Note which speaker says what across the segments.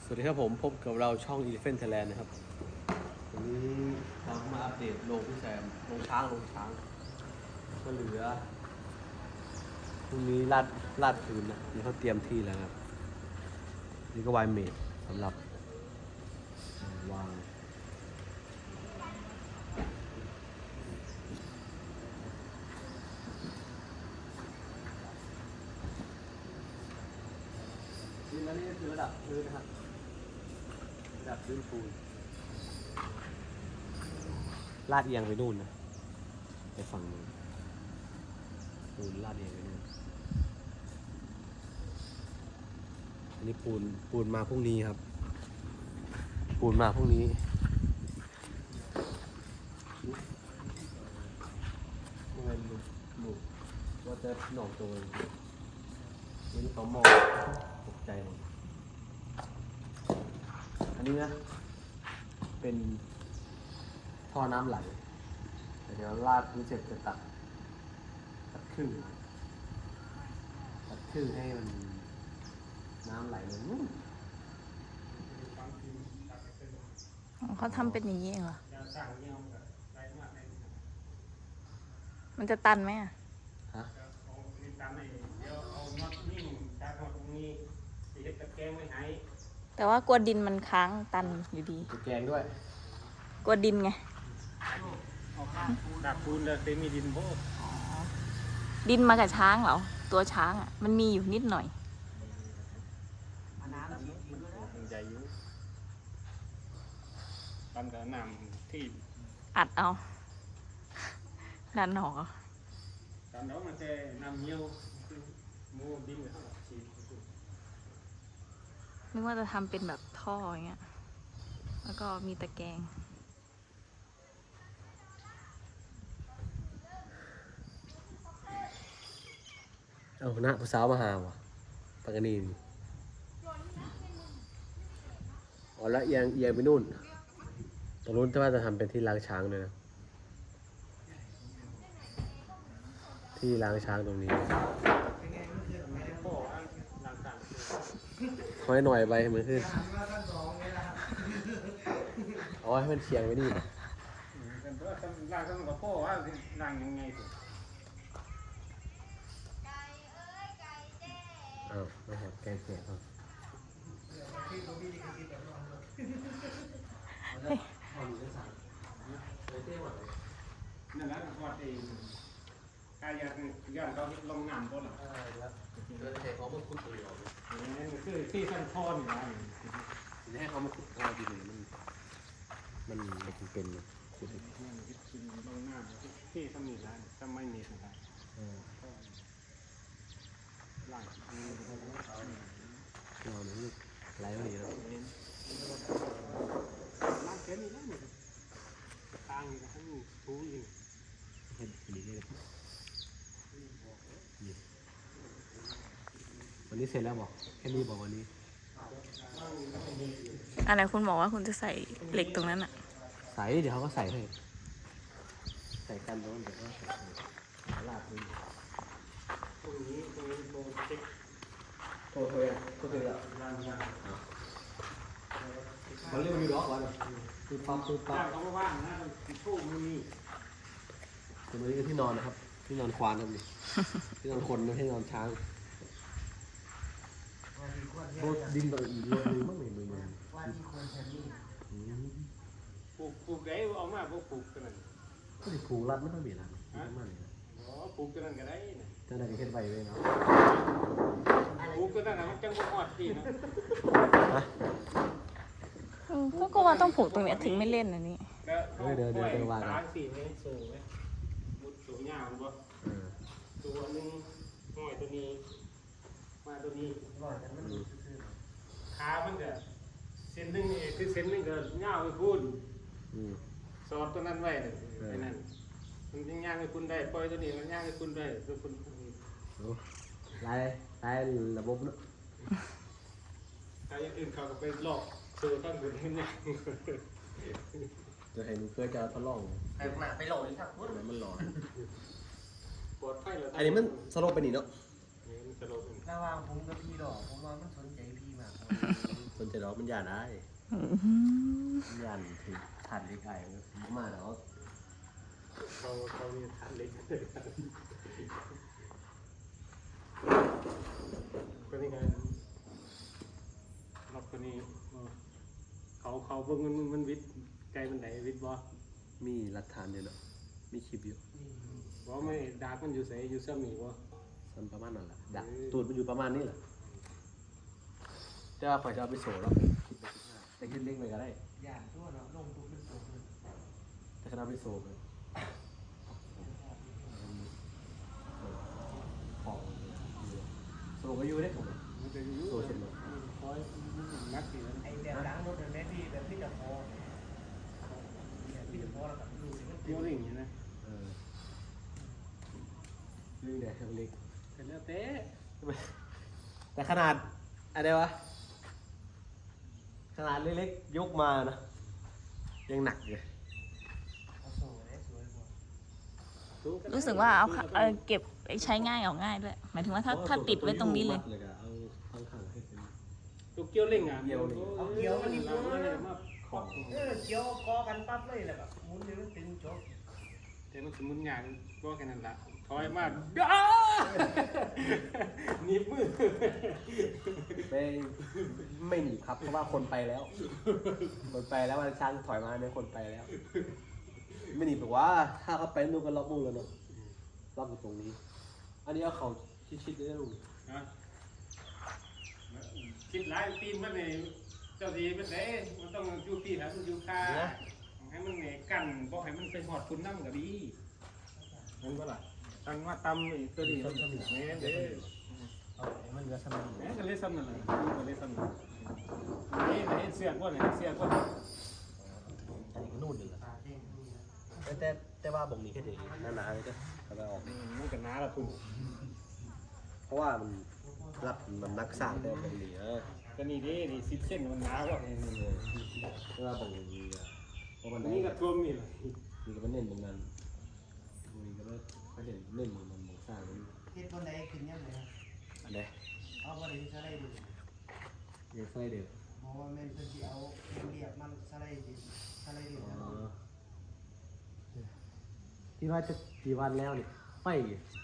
Speaker 1: สวัสดีครับผมพบกับเราช่อง Elephant Thailand นะครับวันนี้เรามาอัปเดตโรงพี่แซมโรงช้างก็เหลือพรุ่งนี้ลาดพื้นนะนี่เขาเตรียมที่แล้วครับนี่ก็วายเมดสำหรับวางนี่แล้วนี่ก็คือระดับพื้นนะครับระดับพื้นปูนลาดเอียงไปนู่นนะไปฝั่งนู้นปูนลาดเอียงไปนู่นอันนี้ปูนมาพรุ่งนี้ครับปูนมาพรุ่งนี้เงินหลุดว่าจะหนอกตัวนี่เขามองตกใจหมดอันนี้นะเป็นท่อน้ำไหลเดี๋ยวลาดพื้นเสร็จจะตัดครึ่งให้มันน้ำไหลลงนู่น
Speaker 2: เขาทำเป็นอย่างนี้เองเหรอ มันจะตันไหมอ่ะ
Speaker 1: ฮะ
Speaker 2: แต่ว่ากลัวดินมันค้างตันอยู่ดี
Speaker 1: ตะแกรงด้วย
Speaker 2: กลัวดินไง
Speaker 3: ดักปูนเลยเคยมีดินโบก
Speaker 2: ดินมากับช้างเหรอ ตัวช้างอ่ะ มันมีอยู่นิดหน่อย
Speaker 3: มันใหญ่อยู่ตอนกับน้ำที่
Speaker 2: อัดเอาดันหนอ
Speaker 3: ตอนนั้นมันจะน้ำเงี้ยวมูดินเขาฉีด
Speaker 2: นึกว่าจะทำเป็นแบบท่ออย่างเงี้ย แล้วก็มีตะแกรง
Speaker 1: เอาหน้าผู้สาวมาหาวะปากกานีนอ๋อแล้วเอียงไปนู่นตรงนู้นถ้าว่าจะทำเป็นที่ล้างช้างเลยนะที่ล้างช้างตรงนี้
Speaker 3: พ่อล้างต่าง
Speaker 1: ค่อยหน่อยไปให้มันขึ้นเอาให้มันเฉียงไว้นี่นะ
Speaker 3: กันเพราะล้างต้องกับพ่อว่าล้างยังไงสิ
Speaker 1: อ้าวไม่หอดแกงเสียครับ
Speaker 3: นั่นแหละวัดเองกายย้อนเขาลงน้ำต้นหรอ
Speaker 1: ใช้เขามาขุดตรงนี้ออก
Speaker 3: นี่คือที่สั้นทอนอยู่นะ
Speaker 1: จะให้เขามาขุดเอาดินมันเป็นขุด
Speaker 3: ลงน้ำที่สมีร้านจะไม่มีนะครับล้าง
Speaker 1: เราเนี่ยไหลมาดีแล้ว
Speaker 3: ล้างแค่นี้แล้วนี่ทางนี้ทั้งทูอยู่
Speaker 1: เห็ดดีเลยวันนี้เสร็จแล้วบอกแค่นี้บอกวันนี้
Speaker 2: อันไหนคุณบอกว่าคุณจะใส่เหล็กตรงนั้นอ่ะ
Speaker 1: ใส่เดี๋ยวเขาก็ใส่ให้ใส่กันแล้วเดี๋ยวก็ใส่ลาดพื้น
Speaker 3: ตรงนี้โบเช็ค
Speaker 1: โทรแล้ว
Speaker 3: ล้างยาง
Speaker 1: เขาเรียกว่ามีล็อกไว้คือปั๊บ
Speaker 3: ล้างเขาว่างนะมันทู่มันมี
Speaker 1: ส่วนนี้ก็ที่นอนนะครับที่นอนควานครับนี่ที่นอนคนไม่ใช่นอนช้างโคตรดินต่ออีกรถมือมั่งเลยมือ
Speaker 3: ปลูกไก่เอามาปลูกกันนั่น
Speaker 1: ก็จะผูกรัดไม่ต้องเบียดนะมากเลยนะ
Speaker 3: อ๋อปลูกกันนั่นก็ได้นะ
Speaker 1: เจ้าหน้าที่เฮ็ดไว้เลยเนาะ
Speaker 3: ปลูกกันนั่นมันจังบ่ฮอดที่นะ
Speaker 2: ก็ว่าต้องผูกตรงเนี้ยถึงไม่เล่นอันนี้
Speaker 1: เดี๋ยวว่ากัน
Speaker 3: ล้างสีให้สูงไหมมุดสูงยาวบ่ตัวนึงห้อยตัวนี้มาตัวนี้ขามันก็เส้นนึงนี่คือเส้นนึงก็ยาวไปพูนสอดตัวนั้นไว้ไอ้นั่นมันยังย่างให้คุณได้ปล่อยตัวนี้มันย่างให้คุณได้ตัวคุณ
Speaker 1: ลายระบบเนาะ
Speaker 3: ถ้าอย่างอื่นเขาก็ไปหลอกเจอตั้งบนให้เนี่ย
Speaker 1: จะให้หนูเพื่อจะทดลอง
Speaker 4: ไปหนาไปโหลดครับ
Speaker 1: มันหลอน
Speaker 3: ปลอดภัยแล้ว
Speaker 1: อันนี้มันสโลปไปนี่เนาะ
Speaker 3: มันจะลง
Speaker 4: ระหว่างผมกับพี่ดอกผมว่ามันสนใจพี่มาก
Speaker 1: สนใจแต่เรามันยานได้มันยานถึงฐานเล็กไอ้มาแล้ว
Speaker 3: เขามีฐานเล็กตัวนี้ไงรอบตัวนี้เขาเบิ่งมันวิทย์ไกลมันไหนวิทย์บ่
Speaker 1: มีหลักฐานอยู่เนาะมีคลิปอยู่
Speaker 3: บ่ไม่ดาบมันอยู่ไสอยู่ซ้ำนี่บ่
Speaker 1: สันประมาณนั้นแหละดักตูดมันอยู่ประมาณนี้แหละจะข่อยจะเอาไปโซ่แล้วแต่ขึ้นเล็กไปก็ได้
Speaker 4: ย่านทั่วเนาะลงทุกขึ้นตัวขึ้น
Speaker 1: แต่ขนาดไปโซ่ไปของโซ่ก็อยู่ได้ผม
Speaker 3: มันจะอยู่
Speaker 1: โซ่เช่นเดียว
Speaker 3: คอยนักสิมัน
Speaker 4: ไอ้แบบล้างรถเป็นแม่ที่แบบที่จะพอแบบที่จะพอแล้วกับดูสิมัน
Speaker 3: เกี่ยวลิงอยู่นะ
Speaker 1: นี่แหละเล็ก
Speaker 3: เป็นแล้วแต่
Speaker 1: แต่ขนาดอะไรวะขนาดเล็กๆยกมานะยังหนักเลย
Speaker 4: เอาโซ่ได้สวยกว่า
Speaker 2: รู้สึกว่าเอาเก็บใช้ง่ายเอาง่ายด้วยหมายถึงว่าถ้าติดไว้ตรงนี้เลย
Speaker 1: เอาข้างๆให้เป็น
Speaker 3: ตัวเกี่ยวลิงอ่ะ
Speaker 4: เอาเกี่ยวมันนี่
Speaker 3: เรา
Speaker 4: ปุ๊บ
Speaker 3: เลยมา
Speaker 1: ของ
Speaker 4: เกี่ยวกอกันปั๊บเลยแหละแบบหมุนเลยมันตึงจบ
Speaker 3: แต่มันสมุนหยางก็แค่นั้นละถอยมาหนีบมือ
Speaker 1: ไม่หนีครับเพราะว่าคนไปแล้ว คนไปแล้วมันช่างถอยมาเนี่ยคนไปแล้ว ไม่หนีแบบว่าถ้าเขาไปนู่นก็ล็อกมือแล้วเนาะล็อกอยู่ตรงนี้ อันนี้เอาเขาชิดๆได้ลุง
Speaker 3: นะคิดหลายปีมันเนี่ยเจ้าดีเป็นไงมันต้องอยู่ปีแล้วมันอยู่คาให้มันเนี่ยกันบอกให้มันไปหอดคุณน้ำก็ดีนั่นก็ล่ะตั้งว่าตำอีกตัวนี้แม่เด้
Speaker 1: เอามันเหลือสมัย
Speaker 3: แม่ก็เลยซ้ำนั่นแหละก็เลยซ้ำนั่นนี่ไหนเสียก้นไหนเสียก้น
Speaker 1: อันนี้ก็นู่นเลย
Speaker 4: ตาเด้งนี่นะ
Speaker 1: แต่ว่าบ่งนี้แค่เด็กหนาๆเลยก็เอาไปออก
Speaker 3: มันก็น้าละคุณ
Speaker 1: เพราะว่ามันรับมันนักสร้างได้บ่งนี้
Speaker 3: ก็นี่ดินี่10 เส้นมันน้ากว่า
Speaker 1: เพราะว่าบ่งนี้เพราะมัน
Speaker 3: นี่ก็ท่วมนี่เลย
Speaker 1: นี่ก็มันเน้นตรงนั้นนี่ก็ไม่เห็นเน้นมันสร้างมัน
Speaker 4: เฮ็ดคนใดขึ้นยังไง
Speaker 1: อันใด
Speaker 4: เอาบ่ได้สไลด์ดู
Speaker 1: เรียกไส้เดือด
Speaker 4: บอกว่าแม่นเพิ่นสิเอาเรียกมันสไลด์ดิสไลด์ดิ
Speaker 1: ที่ว่าจะกี่วันแล้วเนี่ยไฟ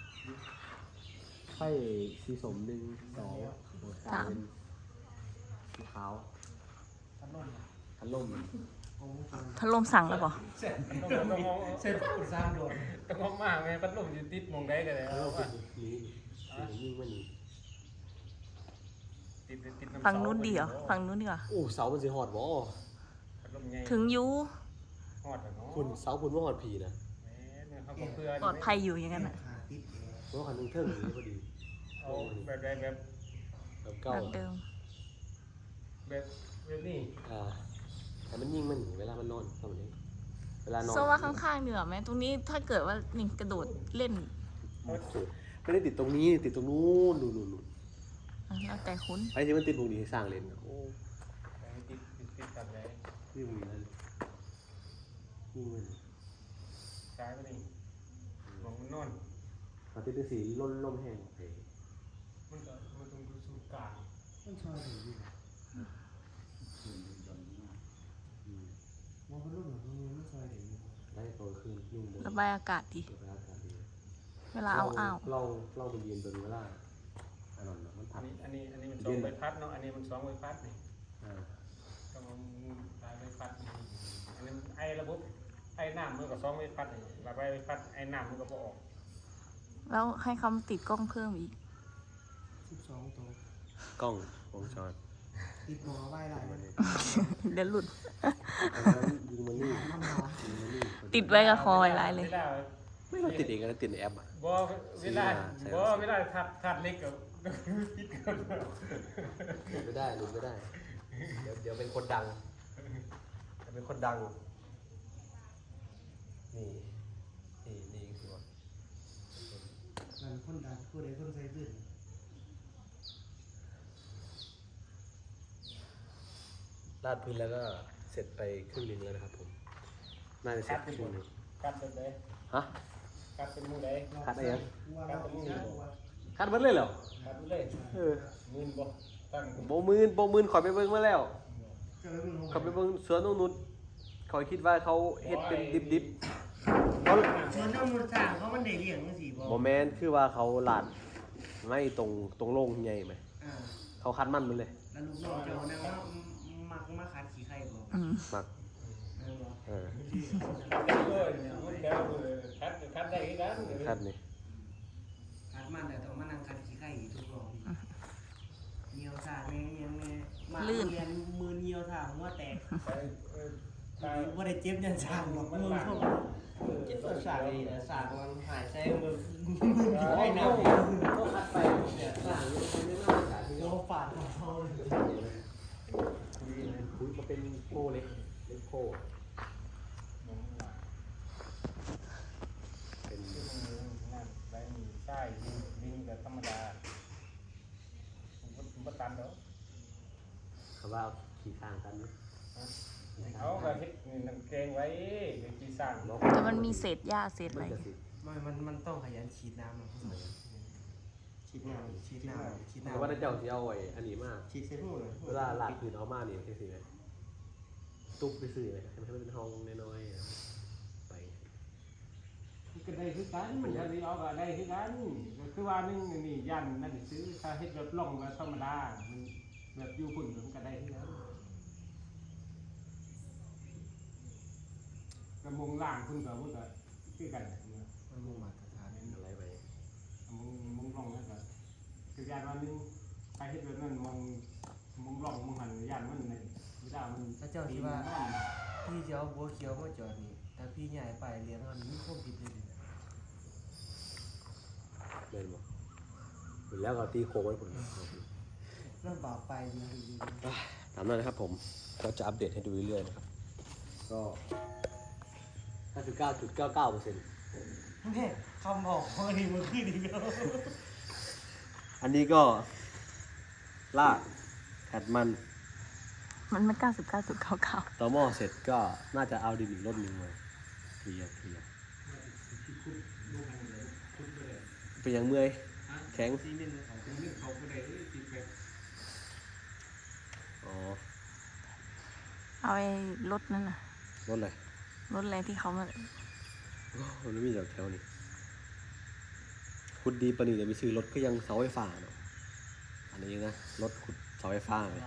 Speaker 1: สีสม1 2 3เป็นสีขาว
Speaker 4: พัดลม
Speaker 1: พัดลม
Speaker 4: โอ้โห
Speaker 2: พัดลมสั่งแล้วเปล่า
Speaker 4: เสร็จปุ๊บสร้างโดด
Speaker 3: ต้องมากไงพัดลมอยู่ติดมองได้กันเลย
Speaker 1: พัดล
Speaker 3: เอา
Speaker 1: ม
Speaker 3: ว่า
Speaker 1: นี่ยิ่งมันนี่
Speaker 3: ติดน้ำ
Speaker 2: ฝั่งนู้นดีเหรอฝั่งนู้นดีกว่า
Speaker 1: โอ้เสามันสิหอดบ่
Speaker 3: พัดลมใหญ่
Speaker 2: ถึงยู
Speaker 3: หอดเนาะ
Speaker 1: คุณเสาคุณว่าหอดผีนะ
Speaker 3: เขาก็เพื่อ
Speaker 2: ปลอดภัยอยู่อย่างนั้นอ่ะ
Speaker 4: ขาติดแอร์
Speaker 1: เพราะว่าคันนึงเทิงอย่างนี้พอดี
Speaker 3: เอาแบบแบบ
Speaker 1: แบบเก่า
Speaker 2: แบบเดิม
Speaker 3: แบบนี้
Speaker 1: แต่มันยิ่งมันเวลามันนอนตอนนี้เวลานอน
Speaker 2: โซว่าข้างๆดีกว่าไหมตรงนี้ถ้าเกิดว่านี่กระโดดเล่น
Speaker 1: ไม่ได้ติดตรงนี้ติดตรงนู้นนู่น
Speaker 2: แล้วแต่คุณ
Speaker 1: ไอ้ที่มันติดตรงนี้ให้สร้างเลนโอ้
Speaker 3: ติดกันเลย
Speaker 1: นี่มันนั่นนี่มัน
Speaker 3: ซ้ายไปนี่มองมันนอน
Speaker 1: มาติดสีล่มแห้งไป
Speaker 3: มันต้องดูสูงกลาง
Speaker 4: มันชอยอยู่ดีว่าพัดลมมันชอยอยู่ดี
Speaker 1: ได้ตอนคืนยุ่งเลย
Speaker 2: ระบายอากาศดี
Speaker 1: ระบายอากาศดี
Speaker 2: เวลาเอาอ้าว
Speaker 1: เราไปเรียนตัวนี้ว่าอันนั้นมันผัด
Speaker 3: อันนี้มัน2 ใบพัดเนาะอันนี้มัน2 ใบพัดนี่ ต้องเอาลายใบพัดอันนี้ไอ้ระบบไอ้น้ำมันก็2 ใบพัดนี่ลายใบพัดไอ้น้ำมันก็บ่ออก
Speaker 2: แล้วให้เขาติดกล้องเพิ่มอีก
Speaker 4: 12ตัว
Speaker 1: กล้องวงจร
Speaker 4: ติดหมอไว้หลายมัน
Speaker 2: เดี๋ยวหลุด
Speaker 1: อันนั้นยิงมันนี่
Speaker 4: มันหมอ
Speaker 1: ยิงมันนี่
Speaker 2: ติดไว้กับคอไว้ลายเลย
Speaker 1: ไม่เราติดเองนะติดในแอปอ่ะ
Speaker 3: บ่เวลาทัดเล็กกับติดกัน
Speaker 1: หลุดไม่ได้เดี๋ยวเป็นคนดังเป็นคนดังนี่คือว่า
Speaker 4: มันคนดังผู้ใดคนใส่ขึ้น
Speaker 1: ลาดพื้นแล้วก็เสร็จไปครึ่งนึงแล้วนะครับผมน่าจะเสร็จครึ่งนึง
Speaker 3: กัดเป็นได
Speaker 1: ฮะ
Speaker 3: กัดเป็นมือใด
Speaker 1: คัดอะไรยัง
Speaker 4: ว่าเราอีกนะว่า
Speaker 1: คัดมันเลยเหรอ
Speaker 3: กัดเลย
Speaker 1: เออ
Speaker 3: มือบ่ตั้ง
Speaker 1: โบมืนข่อยไปเบิ่งมาแล้ว
Speaker 3: บ
Speaker 4: จะไปเบิ่ง
Speaker 1: เขาไปเบิ่งสวนตรงนู้นเขาคิดว่าเขาเฮ็ดเป็นดิบๆเขา
Speaker 4: สวนน้ำมันสร้างเขามันได้เลี้ยงจังซี่บ่
Speaker 1: บ่แม่นคือว่าเขาลาดไม่ตรงโล่งใหญ่ไหม
Speaker 4: อ่า
Speaker 1: เขาคัดมันมันเลย
Speaker 4: แล้วลูกน้องเจ้านั่งมาคัดขี้ไข่บ่
Speaker 2: อืม
Speaker 1: มัก
Speaker 4: บ่
Speaker 1: เออ
Speaker 3: คัดได้กัน
Speaker 1: คัดนี่
Speaker 4: คัดมันแต่ต้องมานั่งคัดขี้ไข่อีกทุกรอบเหี่ยวซ่าแม่ยังแม่มาเรียนมือเหี่ยวซ่าหัวแตกบ่ได้เจ็บยันซ่าหรอกมือพวกเจ็บซ่าเลยนะซ่ามันหายใจมือให้น้ำก็คัดไปเนี่ยซ่าไม่น่าซ่าที่เราฝาดของเขาเลย
Speaker 1: คุยมาเป็นโพเล็กโพเป็น
Speaker 3: ใบมีใช่ดินแบบธรรมดาบ่ตันเด้อ
Speaker 1: เขาว่าขี่ทางกันนะ
Speaker 3: เขาก็เฮ็ดนี่น้ำแกงไว้เดี๋ยวสิสร้าง
Speaker 2: แต่มันมีเศษหญ้าเศษ
Speaker 1: มั
Speaker 2: อะ
Speaker 1: น
Speaker 2: ไร
Speaker 1: จะสิ
Speaker 4: มันต้องขยันฉีดน้ำนะฉีดน้ำฉีดน้ำฉีด
Speaker 1: เพ
Speaker 4: น้ำ
Speaker 1: ราะว่าถ้าเจ้าสิเอาไว้อันนี้มาก
Speaker 4: ฉีดเส้นหูเลย
Speaker 1: เวลาลาดพื้นเอามานี่จังซี่ไหมตุ๊บไปซื้อไหมให้มันเป็นห้องน้อยๆอะไป
Speaker 3: ก็ได้คือกันมันจะเอาก็ได้คือกันก็คือว่านึงนี่ยันนั่นซื้อถ้าเฮ็ดแบบล่องแบบธรรมดามันแบบอยู่พุ่นมันก็ได้คือกันกระมงล่างพุ่นก็คือกัน
Speaker 4: มันมุ่งมาตรฐาน
Speaker 1: อะไรไป
Speaker 3: มึงลองนั่นก็คือยานว่านึงใครเฮ็ดแบบนั้นมึงลองมึงหันยานมันนี่ไม่ได้มัน
Speaker 4: พระเจ้าที่ว่าพี่จะเอาบัวเขียวมาจอดนี่แต่พี่ใหญ่ไปเลี้ยงอันนี้ควบผิดเลย
Speaker 1: เล่นบ่ถึงแล้วก็ตีโค้งไว้พุ่น
Speaker 4: เริ่มบาปไปดี
Speaker 1: ตามนั้นนะครับผมก็จะอัปเดตให้ดูเรื่อยๆนะครับก็ 99.99%
Speaker 4: แม่คำบอกของอันนี้มันขึ้นอีกแล้ว
Speaker 1: อันนี้ก็ลากแผดมัน
Speaker 2: มันไม่99.99
Speaker 1: ต่อหม้อเสร็จก็น่าจะเอาดินอีกรถหนึ่งมาเคลียร์เป็นยังเมื่อยแข็ง
Speaker 4: ซีเมนต์เขา
Speaker 3: เป็นเรื่องเขาก็ได้ติดแบบ
Speaker 1: อ๋อ
Speaker 2: เอาไอ้รถนั่นน่ะ
Speaker 1: รถอะไร
Speaker 2: รถอะไรที่เขามา
Speaker 1: มันไม่มีแถวนี้ขุดดีปะนี่เดี๋ยวไปซื้อรถก็ยังเสาไฟฟ้าเนาะอันนี้นะรถขุดเสาไฟฟ้าเลย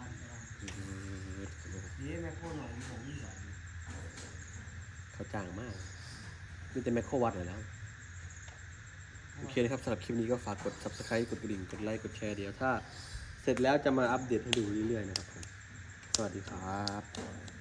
Speaker 4: นี่แม่โคหนองผมนี่สอน
Speaker 1: เขาจ้างมากมีแต่แมคโครวัดเลยแล้วโอเคนะครับสำหรับคลิปนี้ก็ฝากกด subscribe กดกระดิ่งกดไลค์กดแชร์เดี๋ยวถ้าเสร็จแล้วจะมาอัปเดตให้ดูเรื่อยๆนะครับผมสวัสดีครับ